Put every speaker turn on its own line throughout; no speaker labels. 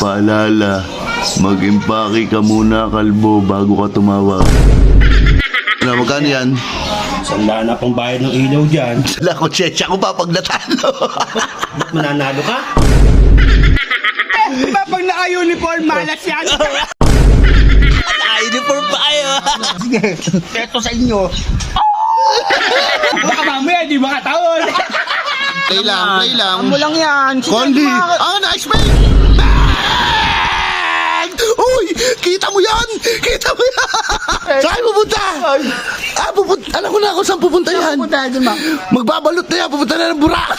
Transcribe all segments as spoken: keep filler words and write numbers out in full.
Paalala, mag-impake ka muna, kalbo, bago ka tumawag. Ano, magkano yan?
Sanda na pang bayad ng ilaw dyan.
Sala ko, tsetsya ko pa pag natalo.
Ba't mananalo ka?
Diba pag naka-uniform, malas yan?
Naka-uniform pa kayo.
Sige, eto sa inyo. Baka mamaya, di ba kataon?
Play lang, play lang.
Amo lang yan. Sige,
Condi!
mga-
Ah, nice play! Bang! Uy! Kita mo yan! Kita mo yan! Saan pupunta? Ah, pupunta. Alam ko na kung saan pupunta yan.
Punta doon, ma.
Magbabalot na yan. Pupunta na ng Burak.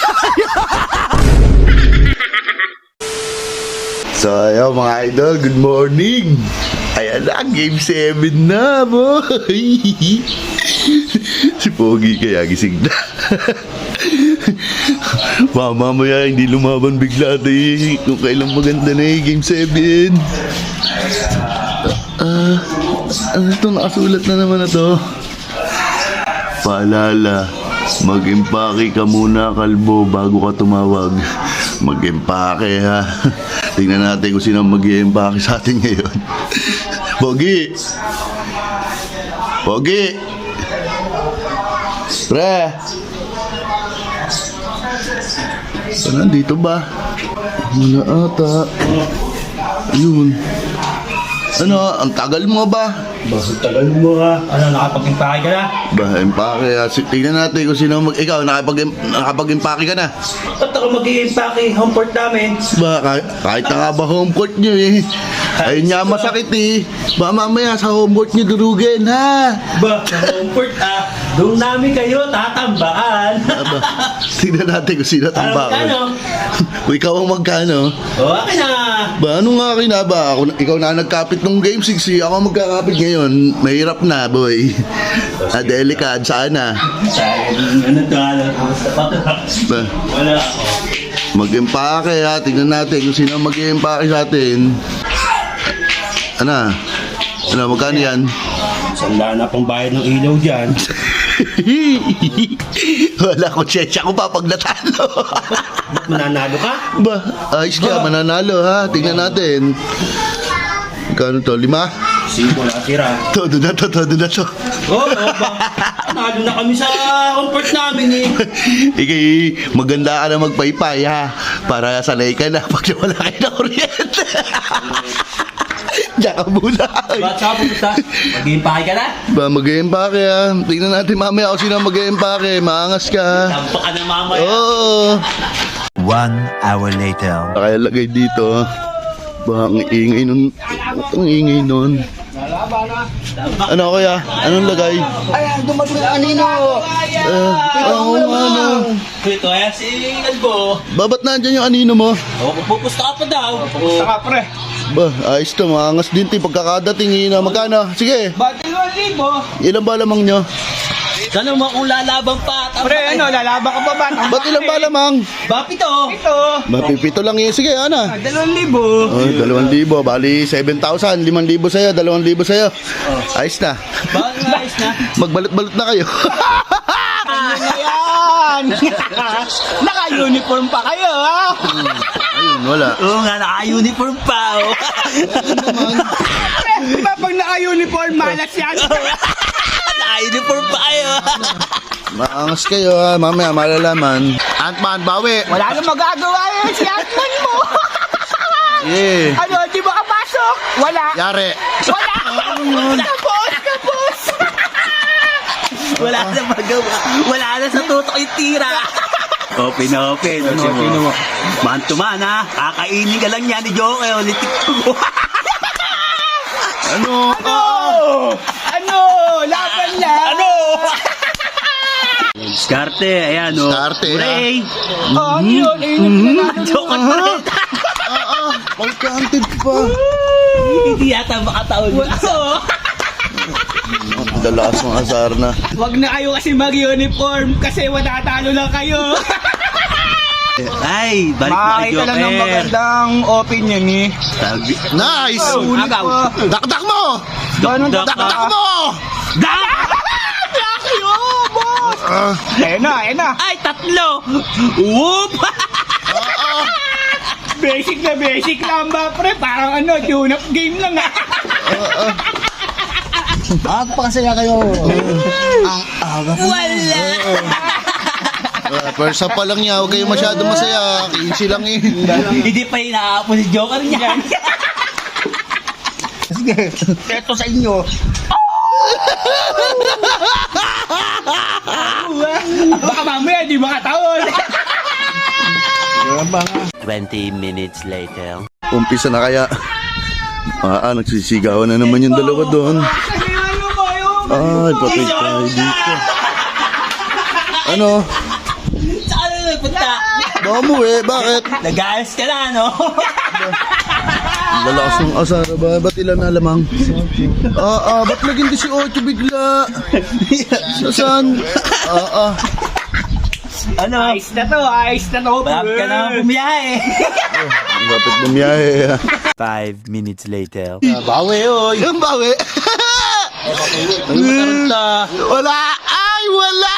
So, ayun mga idol. Good morning. Ayan na, game seven na, boy. Si Pogi kaya gising na. Mamamaya hindi lumaban bigla tayo kung kailang maganda na eh, game seven. Ah, ano ito? Nakasulat na naman na to. Paalala, mag-impake ka muna, kalbo, bago ka tumawag. Mag-impake ha. Tingnan natin kung sino mag-impake sa atin ngayon. Pogi! Pogi! Pre! Saan nandito ba? Wala ata. Ayun. Ano, ang tagal mo ba?
Bakit tagal mo ka? Ano, nakapag-impake ka na?
Ba, impake. ah. Si- Tingnan natin kung sino mag... Ikaw, nakapag, nakapag-impake ka na.
Ba't ako mag-i-impake? Home port namin.
Ba, kahit, kahit na nga ba home court nyo eh. Ayun nga masakit eh. Ba, mamaya sa home court nyo durugin ha.
Ba, sa home port ah. Doon namin kayo tatambaan.
Aba, tingnan natin kung sino
Ano,
tambakan.
magkano?
Kung ikaw ang magkano.
O, akin na.
Ba, ano nga akin na ba? Ako, ikaw na nagkapit ng game six eh. Ako ang magkakapit ngayon. Mahirap na, boy. Ah, delikad. Sana.
Sayang, ano to, ano? Kumusta pa to?
Ba,
Wala ako.
mag-impake ha. Tingnan natin kung sino ang mag-impake sa atin. Ano? Ano, magkano yan?
Sanda na pang bayad ng ilaw dyan.
Wala ko, tsetsya ko pa pag natalo.
Ba't mananalo ka?
Ba, ayos ka, mananalo ha. Tingnan natin. Magkano to? Lima?
Singko na tira.
Todo na to, todo na to.
Oo, oh, ba? Nalo na kami sa home port namin eh.
Ikay, maganda ka na magpaypay ha. Para sanay ka na pag wala kayo na kuryente. Diyan ka muna.
Ba't saan pupunta? Mag-i-impake ka na?
Ba, mag-iimpake ha. Tingnan natin mamaya kung sino mag-iimpake. Maangas ka.
Tampa ka na mamaya.
Oo.
One hour later.
Kaya lagay dito. Ba, ang ingay nun. Ang ingay nun. Ano kaya? Anong lagay?
Ayan, dumating ang anino.
Eh, oo nga no.
Ito ay si Albo.
Babat na dyan yung anino mo?
O, pupusta ka pa daw.
Saka pre.
Ba, ayos to. Maangas din ti pagkakadating. Ina, magkano? Sige.
Ba't dalawang libo?
Ilan ba lamang nyo?
Sana mo kung lalaban pa.
Pre, ano, lalaban ka pa ba?
Ba't ilan ba lamang?
Bapi to.
Ito.
Mapipito lang yun. Sige, ana.
Ah, dalawang libo.
Oh, dalawang libo. Bali, seven thousand. Limang libo sa'yo. Dalawang libo sa'yo. Ayos na.
Bakit ayos na?
Magbalot-balot na kayo.
Ano na yan? Naka-uniform pa kayo, ha?
Ayun, wala.
Oo nga, naka-uniform pa. Oh.
Pre, diba pag naka-uniform, malas yan?
Naka-uniform pa kayo.
Maangas kayo ha. Mamaya malalaman. Ant-Man, bawi.
Wala nang magagawa yun si Atman mo.
Yeah.
Ano, di ba kapasok? Wala.
Yari.
Wala. Kapos, kapos.
Wala na magawa. Wala na sa tutok yung tira. Open, open. Open mo. Man to man ha. Kakainin ka lang yan ni Joke. Ulit.
Ano?
Ano? Ano? Laban lang.
Ano? Skarte, ayan o.
Skarte, ha?
Hooray!
Oh, ano yun? Ayun na
Joke pa rin.
Ah, ah. Pagkanted pa.
Hindi yata makataon. Oo.
Dalakas ng asar na.
Wag na kayo kasi mag-uniform kasi matatalo lang kayo.
Ay, balik na kay
Makakita lang ng
Joker.
magandang opinion eh.
Sabi.
Nice!
Agaw.
Dakdak mo!
Gano'n
Dak-
Dakdak mo!
kayo, boss! Eh na, eh na.
Ay, tatlo! Whoop!
Basic na basic lang ba, pre? Parang ano, tune-up game lang ah.
Magpakasaya kayo. Ang aga po.
Wala.
Uh, Persa pa lang niya, huwag kayo masyado masaya. Kinsi lang eh.
Hindi pa inaapos si Joker niya.
Sige, eto sa inyo.
Baka mamaya, di makataon.
Twenty minutes later.
Umpisa na kaya. Ah, ah, nagsisigawan na naman yung dalawa doon. Ay, patay tayo dito. Ano?
Saan na nagpunta?
Baka mo eh, bakit?
Nag-aayos ka na, no?
Lalakas ng asara ba? Ba't ilan na lamang? Ah, ah, ba't naging eighteen bigla? Saan? Ah, ah.
Ano?
Ayos na to, ayos na to.
Malapit ka na bumiyahe.
Dapat bumiyahe.
Five minutes later.
Bawi, oy.
Yung bawi.
Taranta.
Wala! Ay, wala!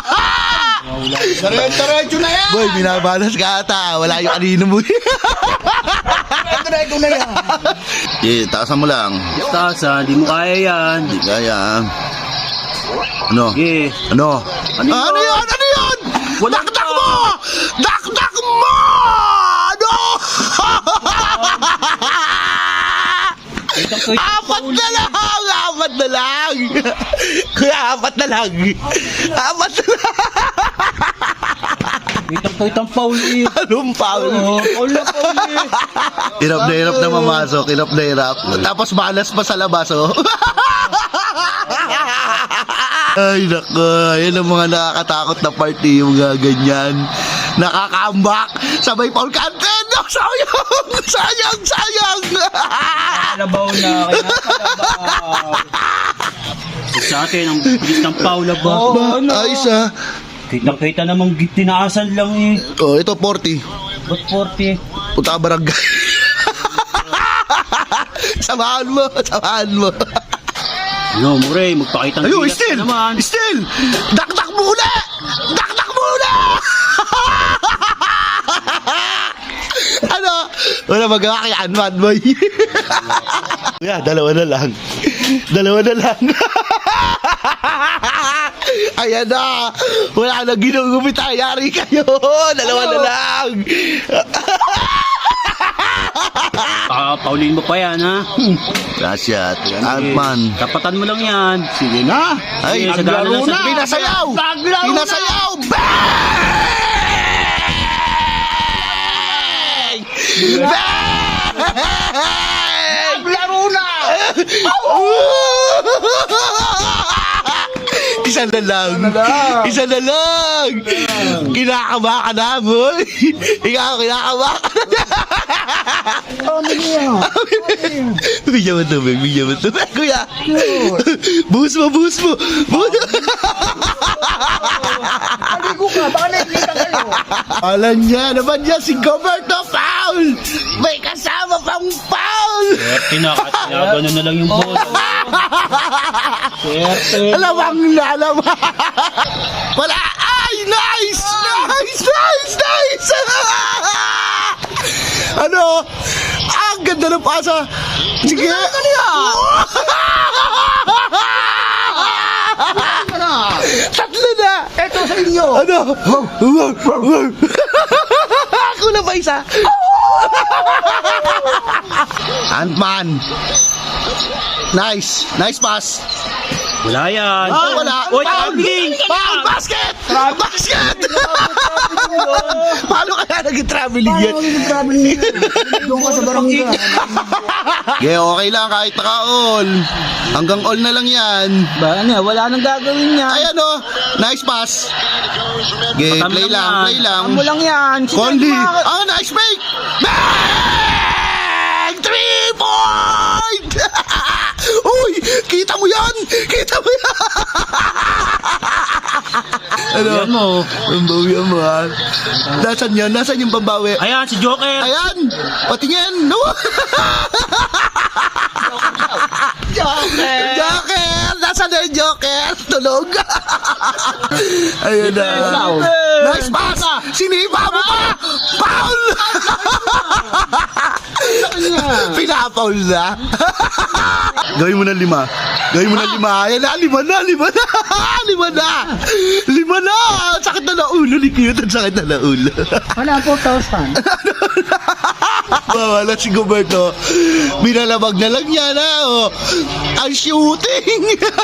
Diretso na yan.
Boy, binabalas ka ata. Wala yung kanino mo.
Diretso na yan.
Eh, taasan mo lang.
Tasa, di mo kaya yan.
Hindi kaya. Ano?
Sige.
Ano?
Ano
Ah, ano
yun?
yun? Ano yun?
Wala
Dakdak
pa.
mo! Dakdak mo! Ano? Apat na lang! Apat na lang! Kuya, apat na lang! Apat na lang!
Kitang-kitang Paul eh.
Anong foul?
Oo, Paul na Paul eh.
Hirap na hirap na mamasok, hirap na hirap. Tapos malas pa sa labas, oh. Ay, nako. Yan ang mga nakakatakot na party, yung mga ganyan. Nakaka-ambak. Sabay Paul Canten. No, sayang! Sayang! Sayang!
Kalabaw na, kaya kalabaw. Sa akin, ang bilis ng Paul ba?
Oo, ano?
Ayos, ah.
Kitang-kita namang tinaasan lang eh.
Oh, ito, forty.
Ba't forty?
Punta ka barangay. Samahan mo, samahan mo.
No, Mure, magpakitang
Ayun,
gilas ka
still!
naman.
Still! Dakdak muna! Dakdak muna! Ano? Wala magawa kay Anman, boy. Kuya, dalawa na lang. Dalawa na lang. Ayan na. Wala na ginugupit. Yari kayo. Dalawa na lang.
Ah, Pauline mo pa yan, ha?
Gracias. Antman.
Tapatan mo lang yan.
Sige na. Ay,
Sige, sagana lang sa-
pinasayaw.
Naglaro na.
Pinasayaw. Bang! Bang!
Laro na.
Isa na lang. Isa na lang. Kinakaba ka na, boy. Ikaw, kinakaba ka na. Bigyan mo tubig, bigyan mo tubig. Kuya. Buhos mo, buhos mo. Buhos.
Aligo ka, baka nakikita kayo.
Alam niya naman niya si Goberto Paul. May kasama pang Paul.
Tinakagano na lang yung bola.
Alamang na, alamang. Wala. Ay, nice! Nice, nice, nice! Ano? Ang ganda ng pasa. Sige. Ano yan? Tatlo na.
Eto sa inyo.
Ano? Ako na ba isa? Ant-Man. Nice. Nice pass.
Wala yan.
Ah, wala.
Oy,
Foul!
traveling!
Foul! Basket! Basket! Paano kaya naging traveling yan?
Paano yung traveling nyo? Doon ka sa barangay ka.
Yeah, okay lang kahit naka-all. Hanggang all na lang yan.
Ba, ano, wala nang gagawin niya.
Ay ano, nice pass. Okay,
Patam
play
lang
lang,
yan.
play lang.
Mo lang yan.
Conley. Ah, nice make! Bang! Three point! Uy, kita mo yan! Kita mo yan! Ano?
Yan mo.
Pambawian mo ha. Nasaan yan? Nasaan yung pambawi?
Ayan, si Joker.
Ayan! Patingin! No! Joker! Joker! Nasaan na yung Joker? Tulog! Ayun na. Nice pass! Sinipa mo pa! Foul! Pinapaul na. Gawin mo na lima. Gawin mo na lima. Ayan na, lima na, lima na. Lima na. Lima na. Sakit na na ulo ni Cute. Ang sakit na na ulo.
Wala, four thousand.
Wala si Goberto. Binalabag na lang niya na. Oh. Ang shooting.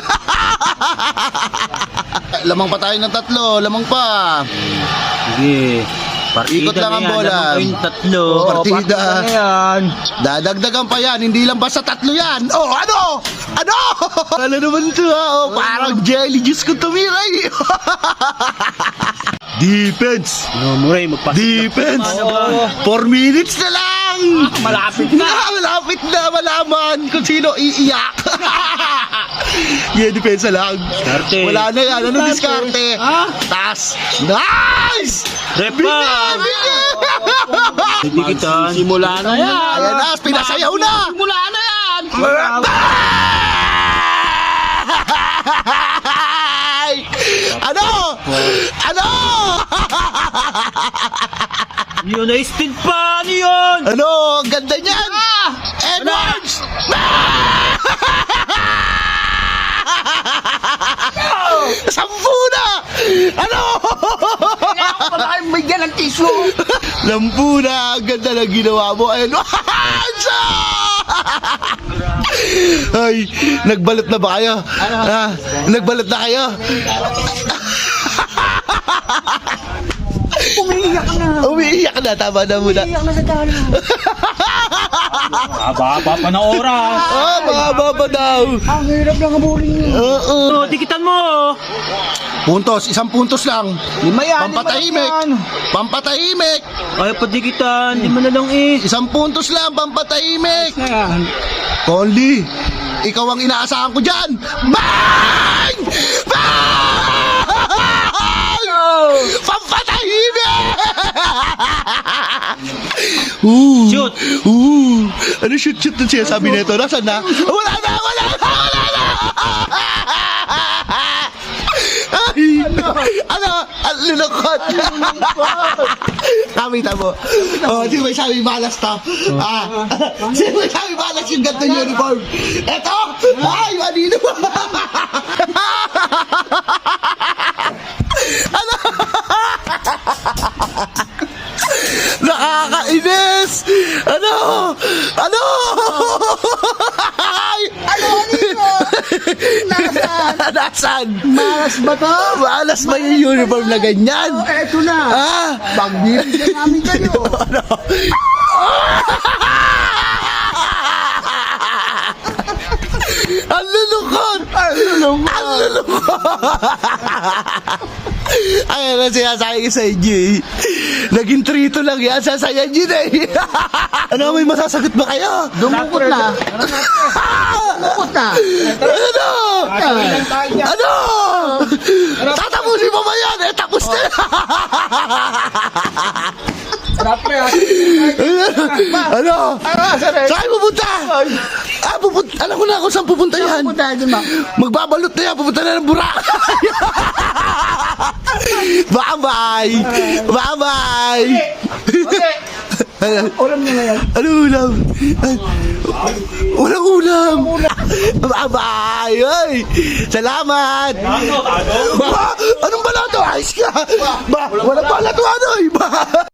Lamang pa tayo ng tatlo. Lamang pa.
Sige. Partida
Ikot lang
na
ang
yan,
bola.
alam mo kayong tatlo.
Oo, partida.
Yan.
Dadagdagan pa yan, hindi lang basta tatlo yan. Oh, ano? Ano? Ano naman ito ha? Oh, parang jelly juice ko tumiray. Defense!
No, Muray, magpasok.
Defense! Four minutes na lang!
Malapit
na! Malapit na malaman kung sino iiyak. Yeah, depensa lang.
Diskarte.
Wala na yan. Ano diskarte?
Ha?
Tas. Nice!
Repa!
Bigyan! Bigyan!
Dikitan.
Simula na yan.
Ayan na, pinasayaw na!
Simula na yan.
Ay! Ano? Ano?
Yun na speed pa! Ano yun?
Ano? Ang ganda niyan! Edwards! Sampu na! Ano?
Kailangan ko ba kayo bigyan ng tissue?
Lampu na! Ang ganda na ginawa mo! Ayun! Hansa! Ay, nagbalot na ba kayo? Ah, nagbalot na kayo?
Umiiyak ka na.
Umiiyak na, tama na muna.
Umiiyak na sa talo.
Haba-haba pa na oras.
Ah, mga baba daw.
Ang hirap lang habulin niyo.
Oo.
Oh, dikitan mo.
Puntos, isang puntos lang.
Lima yan.
Pampatahimik. Pampatahimik.
Ay, padikitan. Di mo na lang eh.
Isang puntos lang, pampatahimik.
Yan.
Conley, ikaw ang inaasahan ko dyan. Bang! Bang! Pampatahimik! Ooh.
Shoot.
Ooh. Ano shoot-shoot na siya sabi nito? Nasaan na? Wala na! Wala na! Wala na! Ay, ano? Ang lulukot. Kamita mo. Oh, di ba sabi malas to? Ah, di ba sabi malas yung ganito yung uniform? Eto! Ay, manino ba? Ano? Nakakainis! Ano? Ano? Ay!
Ano, ano yun? Nasaan?
Nasaan?
Malas ba to?
Malas ba yung uniform na ganyan?
Oh, eto na.
Ah!
Pagbibigyan namin kayo.
Ano? Ang lulukot! Ang lulukot! Ang lulukot! Ay, ano sinasabi ko sa inyo eh. Naging trito lang yan, sasayan yun eh. Ano, may masasagot ba kayo?
Dumukot na. Dumukot na.
Ano? Ano? Tatapusin mo ba yan? Eh, tapos na. Ano? Saan pupunta? Ah, pupunta. Alam ko na kung saan pupunta yan.
Pupunta doon, ma.
Magbabalot na yan. Pupunta na ng Boracay. Bye-bye. Bye-bye.
Ulam nyo na yan.
Ano ulam? Ay, walang ulam. Bye-bye. Ay, salamat. Ba, anong balato? Ayos ka. Ba, walang balato ano eh. Ba.